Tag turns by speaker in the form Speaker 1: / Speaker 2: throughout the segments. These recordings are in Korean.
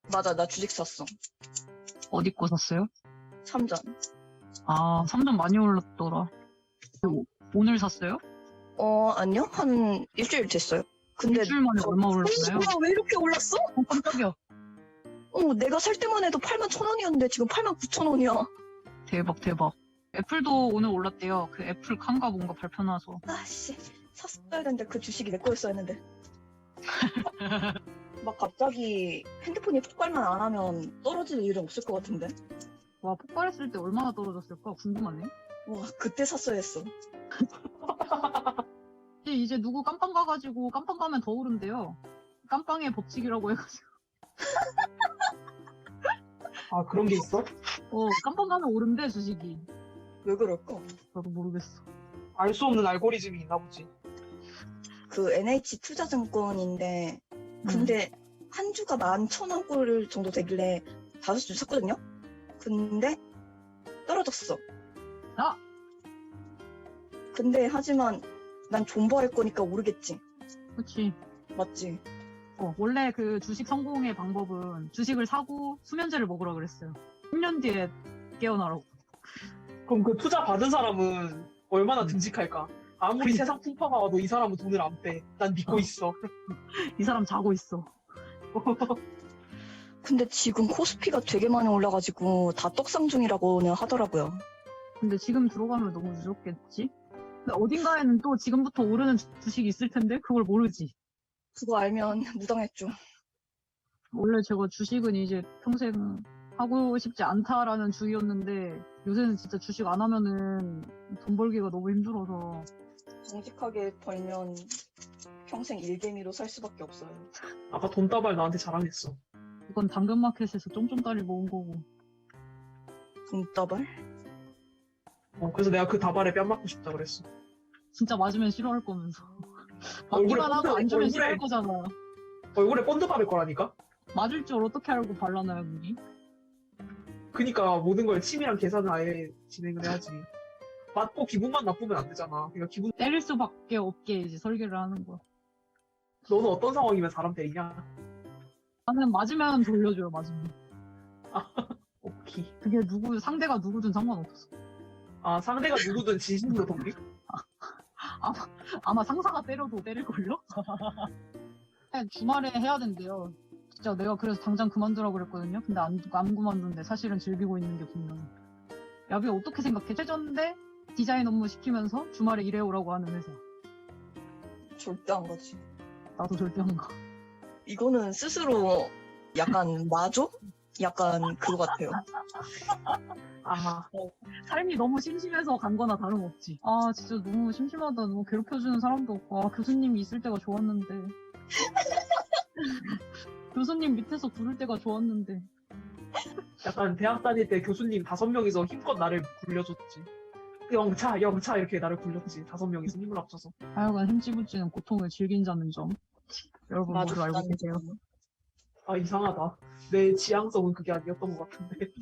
Speaker 1: 맞아, 나 주식 샀어.
Speaker 2: 어디 거 샀어요?
Speaker 1: 삼전.
Speaker 2: 아, 3점 많이 올랐더라. 오늘 샀어요?
Speaker 1: 아니요? 한 일주일 됐어요. 근데
Speaker 2: 일주일 만에 얼마 올랐나요?
Speaker 1: 왜 이렇게 올랐어?
Speaker 2: 깜짝이야.
Speaker 1: 내가 살 때만 해도 81,000원이었는데 지금 89,000원이야.
Speaker 2: 대박, 대박. 애플도 오늘 올랐대요. 그 애플 칸가 뭔가 발표 나서.
Speaker 1: 아씨, 샀어야 되는데 그 주식이 내 거였어야 했는데. 막 갑자기 핸드폰이 폭발만 안 하면 떨어질 일은 없을 것 같은데.
Speaker 2: 와, 폭발했을 때 얼마나 떨어졌을까? 궁금하네.
Speaker 1: 와, 그때 샀어야 했어.
Speaker 2: 이제 누구 깜빵 가가지고 깜빵 가면 더 오른대요. 깜빵의 법칙이라고 해가지고.
Speaker 3: 아, 그런 게 있어?
Speaker 2: 깜빵 가면 오른대, 주식이.
Speaker 1: 왜 그럴까?
Speaker 2: 나도 모르겠어.
Speaker 3: 알 수 없는 알고리즘이 있나 보지.
Speaker 1: 그 NH 투자증권인데 근데 한 주가 11,000원꼴 정도 되길래 5주 샀거든요? 근데 떨어졌어.
Speaker 2: 아!
Speaker 1: 근데 하지만 난 존버할 거니까 오르겠지.
Speaker 2: 그치.
Speaker 1: 맞지?
Speaker 2: 원래 그 주식 성공의 방법은 주식을 사고 수면제를 먹으라 그랬어요. 10년 뒤에 깨어나라고.
Speaker 3: 그럼 그 투자 받은 사람은 얼마나 듬직할까? 아무리
Speaker 2: 그러니까.
Speaker 3: 세상 풍파가 와도 이 사람은 돈을 안 빼. 난 믿고 있어.
Speaker 2: 이 사람 자고 있어.
Speaker 1: 근데 지금 코스피가 되게 많이 올라가지고 다 떡상 중이라고는 하더라고요.
Speaker 2: 근데 지금 들어가면 너무 늦었겠지? 근데 어딘가에는 또 지금부터 오르는 주식이 있을 텐데 그걸 모르지.
Speaker 1: 그거 알면 무당했죠.
Speaker 2: 원래 제가 주식은 이제 평생 하고 싶지 않다라는 주의였는데 요새는 진짜 주식 안 하면은 돈 벌기가 너무 힘들어서.
Speaker 1: 정직하게 벌면 평생 일개미로 살 수밖에 없어요.
Speaker 3: 아까 돈다발 나한테 자랑했어.
Speaker 2: 이건 당근마켓에서 쫑쫑따리 모은 거고.
Speaker 1: 돈다발?
Speaker 3: 그래서 내가 그 다발에 뺨 맞고 싶다 그랬어.
Speaker 2: 진짜 맞으면 싫어할 거면서.
Speaker 3: 얼굴에
Speaker 2: 맞기만 하고 안 주면
Speaker 3: 얼굴에-
Speaker 2: 싫어할 거잖아.
Speaker 3: 얼굴에 본드 바를 거라니까?
Speaker 2: 맞을 줄 어떻게 알고 발라놔요, 눈이?
Speaker 3: 그니까 모든 걸 치밀한 계산을 아예 진행을 해야지. 맞고 기분만 나쁘면 안 되잖아. 그러니까 기분,
Speaker 2: 때릴 수밖에 없게 이제 설계를 하는 거야.
Speaker 3: 너는 어떤 상황이면 사람 때리냐?
Speaker 2: 나는 맞으면 돌려줘요, 맞으면.
Speaker 3: 오케이.
Speaker 2: 그게 상대가 누구든 상관없어.
Speaker 3: 아, 상대가 누구든 진심으로 돕니?
Speaker 2: 아마 상사가 때려도 때릴걸요? 주말에 해야 된대요. 진짜 내가 그래서 당장 그만두라고 그랬거든요. 근데 안 그만두는데 사실은 즐기고 있는 게 분명해. 야비 어떻게 생각해? 최저인데 디자인 업무 시키면서 주말에 일해오라고 하는 회사.
Speaker 1: 절대 안 가지.
Speaker 2: 나도 절대 안 가.
Speaker 1: 이거는 스스로 약간 마조? 약간 그거 같아요.
Speaker 3: 아,
Speaker 2: 삶이 너무 심심해서 간 거나 다름없지. 아, 진짜 너무 심심하다. 너무 괴롭혀주는 사람도 없고. 아, 교수님이 있을 때가 좋았는데. 교수님 밑에서 부를 때가 좋았는데.
Speaker 3: 약간 대학 다닐 때 교수님 5명이서 힘껏 나를 굴려줬지. 영차, 영차 이렇게 나를 굴렸지. 5명이서 힘을 합쳐서.
Speaker 2: 하여간 힘찌부찌는 고통을 즐긴다는 점. 여러분
Speaker 1: 마조
Speaker 2: 모두 알고 계세요.
Speaker 3: 아, 이상하다. 내 지향성은 그게 아니었던 것 같은데.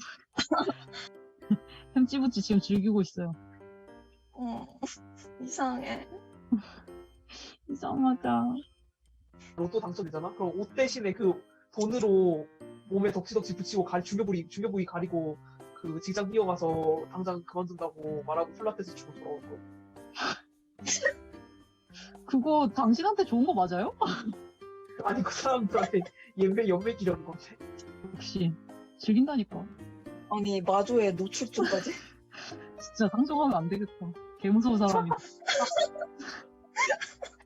Speaker 2: 힘찌부찌 지금 즐기고 있어요.
Speaker 1: 이상해.
Speaker 2: 이상하다.
Speaker 3: 로또 당첨되잖아? 그럼 옷 대신에 그 돈으로 몸에 덕지덕지 붙이고 중요부위 가리고 그 직장 뛰어가서 당장 그만둔다고 말하고 플라테스 치고 돌아올 거.
Speaker 2: 그거 당신한테 좋은 거 맞아요?
Speaker 3: 아니, 그 사람들한테 연맥 기려는 건데.
Speaker 2: 역시 즐긴다니까.
Speaker 1: 아니, 마조의 노출증까지?
Speaker 2: 진짜 상종하면 안 되겠다. 개 무서운 사람이다.